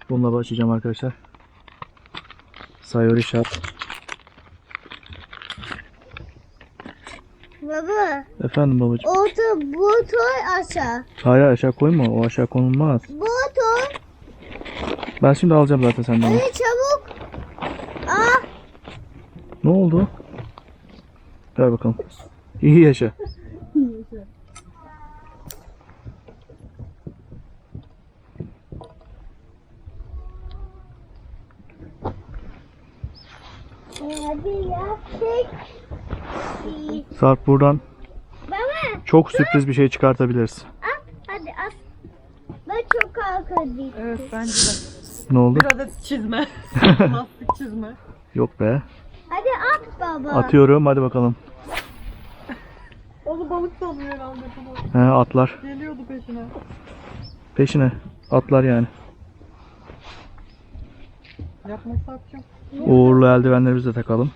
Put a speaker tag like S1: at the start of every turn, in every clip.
S1: Bununla başlayacağım arkadaşlar. Sayori Shop.
S2: Baba.
S1: Efendim babacığım.
S2: Bu toy aşağı.
S1: Hayır aşağı koyma. O aşağı konulmaz.
S2: Bu toy.
S1: Ben şimdi alacağım zaten senden.
S2: Hadi çabuk. Ah.
S1: Ne oldu? Ver bakalım. İyi yaşa.
S2: Hadi yaptık.
S1: Sarp buradan
S2: Baba.
S1: çok sürpriz bir şey çıkartabiliriz.
S2: Hadi at. Ben çok kalkıyordum.
S3: Evet bence de.
S1: Ne oldu?
S3: Bir adet çizme. Lastik çizme.
S1: Yok be.
S2: Hadi at baba.
S1: Atıyorum hadi bakalım.
S3: Onu balık sanıyor herhalde bunu.
S1: He atlar.
S3: Geliyordu peşine.
S1: Peşine. Atlar yani.
S3: Yapmasak yok.
S1: Uğurlu eldivenlerimizi de takalım.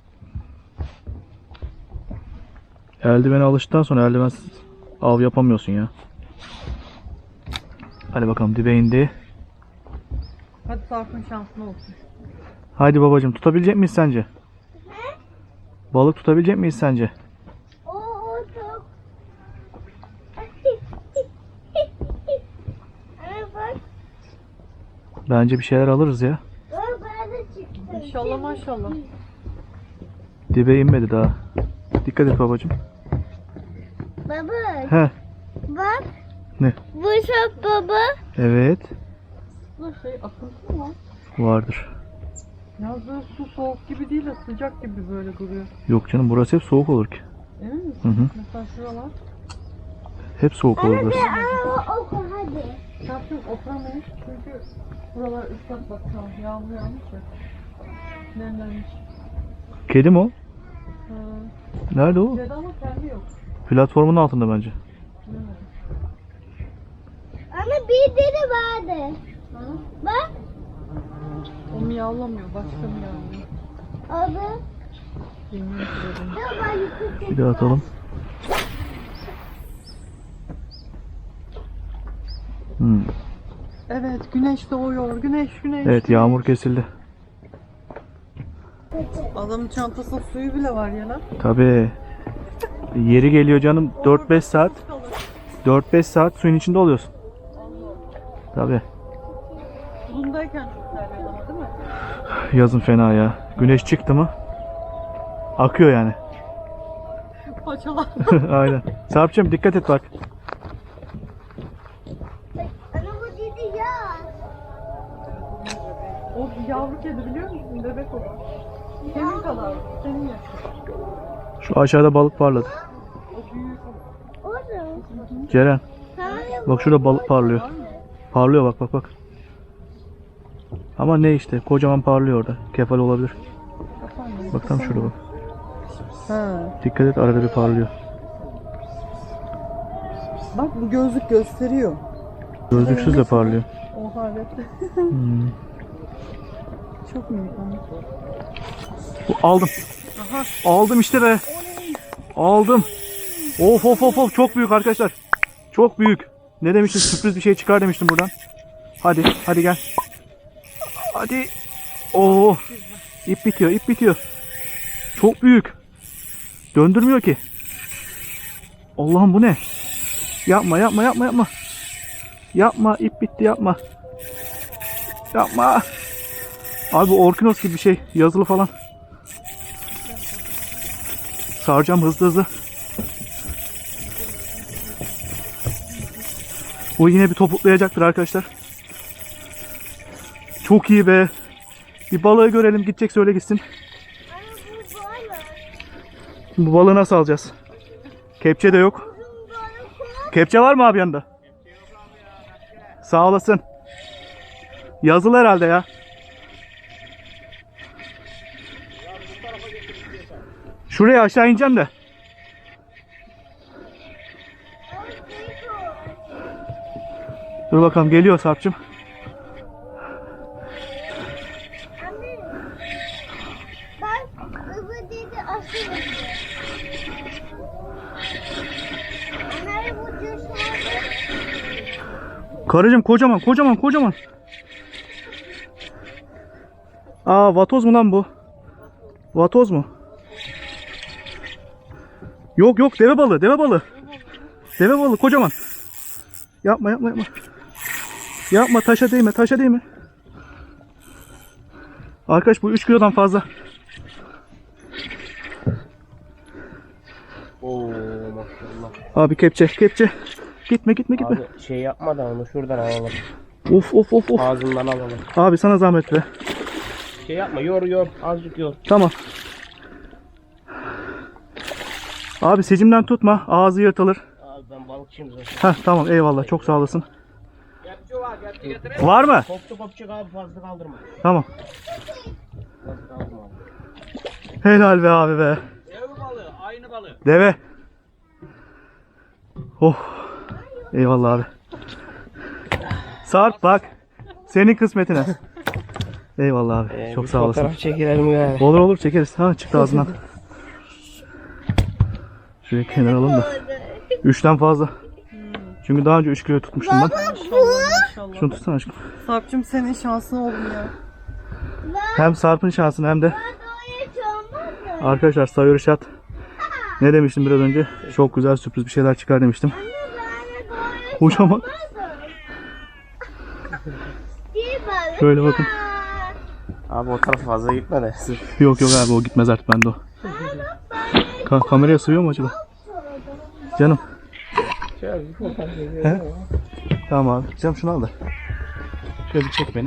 S1: Eldivene alıştıktan sonra eldivensiz av yapamıyorsun ya. Hadi bakalım dibe indi.
S3: Hadi Sarp'ın şansına olsun.
S1: Haydi babacığım tutabilecek miyiz sence? Balık tutabilecek miyiz sence?
S2: O çok. Ana bak.
S1: Bence bir şeyler alırız ya.
S2: Ben de çıktım.
S3: İnşallah maşallah.
S1: Dibe inmedi daha. Dikkat et babacığım.
S2: Baba.
S1: He.
S2: Bak.
S1: Ne?
S2: Bu çok baba.
S1: Evet.
S3: Bu şey akıntı mı?
S1: Vardır.
S3: Yalnız böyle su soğuk gibi değil de sıcak gibi böyle duruyor.
S1: Yok canım burası hep soğuk olur ki.
S3: Emin misin?
S1: Hı hı.
S3: Mesela şuralar.
S1: Hep soğuk olur burası.
S2: Ana oku hadi.
S3: Sarp'ın oturamayız çünkü buralar ıslak bak şu an. Yağmur yağmış ya. Nemlenmiş.
S1: Kedi mi o?
S3: Ha.
S1: Nerede o?
S3: Kedi ama kendi yok.
S1: Platformun altında bence.
S3: Bilemedim.
S2: Ama bir deri vardı.
S3: Ha?
S2: Bak.
S3: O miyavlamıyor. Başka miyavlıyor.
S2: Adı.
S3: Bilmiyorum ki dedim.
S2: Baba yukarı.
S1: Bir de atalım. Hmm.
S3: Evet güneş doğuyor. Güneş.
S1: Evet yağmur kesildi.
S3: Adamın çantasında suyu bile var ya lan.
S1: Tabii. Yeri geliyor canım 4-5 saat. 4-5 saat suyun içinde oluyorsun. Tabii.
S3: Bulundayken çok terliyor ama değil mi?
S1: Yazın fena ya. Güneş çıktı mı akıyor yani.
S3: Paçalar.
S1: Aynen. Sarp'cığım dikkat et bak.
S2: Ana bu dedi ya.
S3: O yavru kedi biliyor musun? Bebek o. Senin kadar. Senin yaşın.
S1: Şu aşağıda balık parladı.
S3: O büyük.
S2: Orada.
S1: Ceren
S2: Sana
S1: bak şurada balık parlıyor. Parlıyor bak bak bak. Ama ne işte kocaman parlıyor orada. Kefal olabilir. Bak tam şurada bak.
S3: Ha.
S1: Dikkat et arada bir parlıyor.
S3: Bak bu gözlük gösteriyor.
S1: Gözlüksüz de parlıyor.
S3: Oha evet.
S1: Hmm.
S3: Çok minik ama.
S1: Aldım. Aldım işte be. Aldım. Of of of of çok büyük arkadaşlar. Çok büyük. Ne demiştim sürpriz bir şey çıkar demiştim buradan. Hadi hadi gel. Hadi. Oo. İp bitiyor ip bitiyor. Çok büyük. Döndürmüyor ki. Allah'ım bu ne? Yapma yapma yapma yapma. Yapma ip bitti yapma. Yapma. Abi bu Orkinos gibi bir şey. Yazılı falan. Saracağım hızlı hızlı. O yine bir topuklayacaktır arkadaşlar. Çok iyi be. Bir balığı görelim gidecek söyle gitsin.
S2: ana bu balık.
S1: Şimdi bu balığı nasıl alacağız? Kepçe de yok.
S2: Uzun balık o.
S1: Kepçe var mı abi yanında? Sağ olasın. Yazılı herhalde ya. Şuraya aşağı ineceğim de. Dur bakalım geliyor Sarp'cığım.
S2: Anne. Bak baba dedi aşırı. Anne bu düşmanı.
S1: Karıcığım kocaman kocaman kocaman. Aa, vatoz mu lan bu? Vatoz mu? Yok yok, deve balığı, deve balığı. Deve balığı kocaman. Yapma yapma yapma. Yapma, taşa değme, taşa değme. Arkadaş bu 3 kilodan fazla.
S4: Oo maşallah.
S1: Abi kepçe kepçe. Gitme gitme gitme.
S4: Abi şey yapma da onu şuradan alalım.
S1: Of of of of.
S4: Ağzından alalım.
S1: Abi sana zahmet be.
S4: Şey yapma, yor azıcık yor.
S1: Tamam. Abi secimden tutma, ağzı yırtılır.
S4: Abi ben balıkçıyım zaten.
S1: Heh tamam, eyvallah, çok sağ olasın.
S4: Kepçe var, kepçe getirelim.
S1: Var mı?
S4: Kopçuk abi, fazla kaldırma.
S1: Tamam.
S4: Fazla kaldırma abi.
S1: Helal be abi be.
S4: Deve balığı, aynı balığı.
S1: Deve. Oh. Eyvallah abi. Sarp bak. Senin kısmetine. Eyvallah abi. Çok
S4: Bir
S1: sağ olasın.
S4: Fotoğraf çekilelim yani.
S1: Olur olur, çekeriz. Ha, çıktı ağzından. Şuraya kenara alalım da. 3'ten fazla. Çünkü daha önce 3 kilo tutmuştum ben.
S3: İnşallah.
S1: Şunu tutsana aşkım.
S3: Sarp'cığım senin şansın oldum ya.
S1: Hem Sarp'ın şansını hem de
S2: Doğuya çoğunmaz mı?
S1: arkadaşlar Sayur Şat. Ne demiştim biraz önce? Çok güzel sürpriz bir şeyler çıkar demiştim.
S2: Anne doğuya
S1: Kocaman.
S2: bir balık
S1: Şöyle bakın.
S2: var.
S4: Abi o tarafa fazla gitme de.
S1: Yok yok abi, o gitmez artık, bende o. Kameraya sığıyor mu acaba? Canım.
S4: Şöyle bir fotoğraf çekilelim.
S1: He? Tamam abi. Canım şunu al da. Şöyle bir çek beni.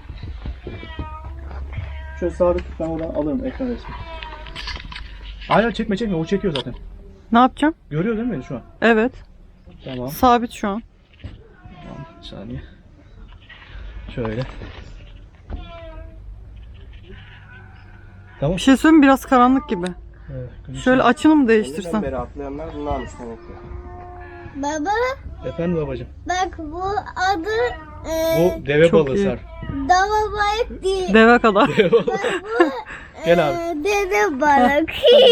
S1: Şöyle sabit, ben oradan alırım ekran resmi. Hayır çekme çekme, o çekiyor zaten.
S3: Ne yapacağım?
S1: Görüyor değil mi beni şu an?
S3: Evet.
S1: Tamam.
S3: Sabit şu an.
S1: Tamam, bir saniye. Şöyle. Tamam.
S3: Bir şey söyleyeyim mi? Biraz karanlık gibi.
S1: Evet,
S3: Şöyle açını mı
S4: Önceden
S3: değiştirsen?
S4: beri atlayanlar bunlarmış demek ki.
S2: Baba
S1: Efendim babacığım.
S2: bak bu adı
S1: Bu deve
S3: Çok
S1: balığı
S3: iyi.
S1: Sarp.
S2: dava balık değil.
S3: Deve kadar.
S1: Gel abi.
S2: Dede balık.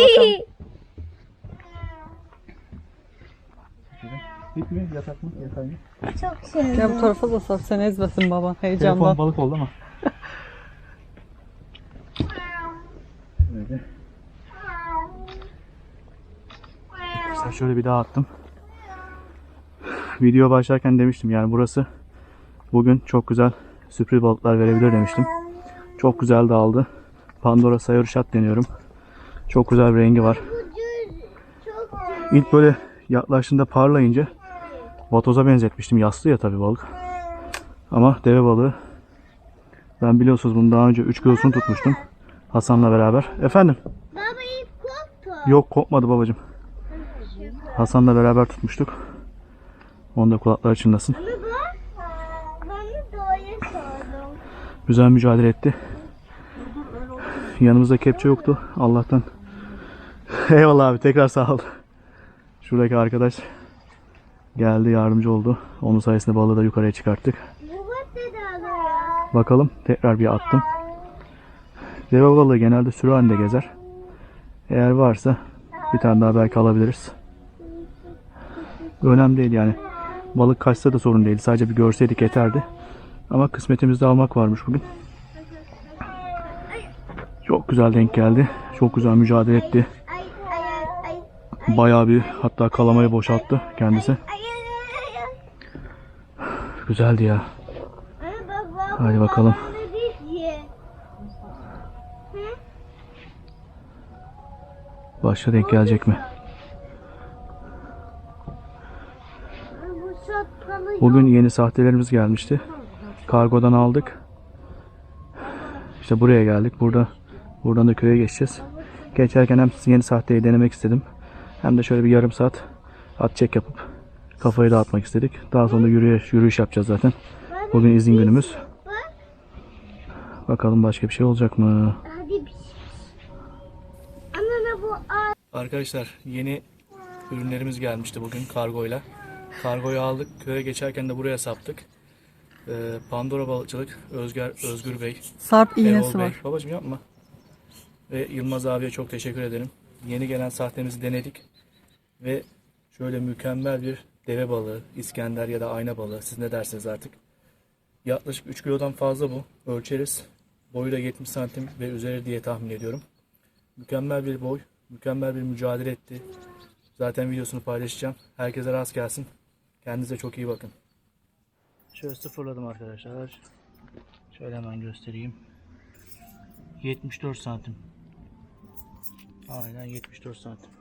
S1: Bit mi? Yatak mı? Yatak mı?
S2: Çok sevdim.
S3: Gel bu tarafa da Sarp, sen ezmesin baban
S1: Telefon
S3: heyecandan.
S1: balık oldu ama. Böyle. Mesela şöyle bir daha attım. Video başlarken demiştim yani burası bugün çok güzel sürpriz balıklar verebilir demiştim. Çok güzel de aldı. Pandora Sayur Şat deniyorum. Çok güzel bir rengi var.
S2: Çok
S1: İlk böyle yaklaştığında parlayınca vatoza benzetmiştim. Yassı ya tabii balık. Ama deve balığı. Ben biliyorsunuz bunu daha önce 3 kilosunu tutmuştum. Hasan'la beraber. Efendim?
S2: Baba ip koptu.
S1: Yok, kopmadı babacığım. Hasan'la beraber tutmuştuk. Onu da kulakları çınlasın.
S2: Ama bak ben de doğuya sordum.
S1: Güzel mücadele etti. Yanımızda kepçe yoktu. Allah'tan. Eyvallah abi, tekrar sağ ol. Şuradaki arkadaş geldi, yardımcı oldu. Onun sayesinde balığı da yukarıya çıkarttık.
S2: Bu dedi alıyor.
S1: Bakalım, tekrar bir attım. Deve balığı genelde sürü halinde gezer. Eğer varsa bir tane daha belki alabiliriz. Önemli değil yani. Balık kaçsa da sorun değil. Sadece bir görseydik yeterdi. Ama kısmetimizde almak varmış bugün. Çok güzel denk geldi. Çok güzel mücadele etti.
S2: Ay ay ay.
S1: Bayağı bir, hatta kalamayı boşalttı kendisi.
S2: Ay ay ay.
S1: Güzeldi ya.
S2: Ay baba.
S1: Hadi bakalım.
S2: babam dedi ki,
S1: Başka denk gelecek mi?
S2: Bu şapkalı
S1: Bugün yeni sahtelerimiz gelmişti. Kargodan aldık. İşte buraya geldik. Buradan da köye geçeceğiz. Geçerken hem yeni sahteyi denemek istedim. Hem de şöyle bir yarım saat at çek yapıp kafayı dağıtmak istedik. Daha sonra da yürüyüş yapacağız zaten. Bugün izin günümüz. Bakalım başka bir şey olacak mı?
S2: Hadi bir şey. Anne bu ay.
S1: Arkadaşlar yeni ürünlerimiz gelmişti bugün kargoyla. Kargoyu aldık. Köye geçerken de buraya saptık. Pandora Balıkçılık Özgür Bey,
S3: Sarp
S1: Erol
S3: iğnesi
S1: Bey.
S3: var.
S1: Babacığım yapma. Ve Yılmaz abiye çok teşekkür ederim. Yeni gelen sahtemizi denedik. Ve şöyle mükemmel bir deve balığı, İskender ya da ayna balığı. Siz ne dersiniz artık. Yaklaşık 3 kilodan fazla bu. Ölçeriz. Boyu da 70 santim ve üzeri diye tahmin ediyorum. Mükemmel bir boy, mükemmel bir mücadele etti. Zaten videosunu paylaşacağım. Herkese rast gelsin. Kendinize çok iyi bakın. Şöyle sıfırladım arkadaşlar. Şöyle hemen göstereyim. 74 santim. Aynen 74 santim.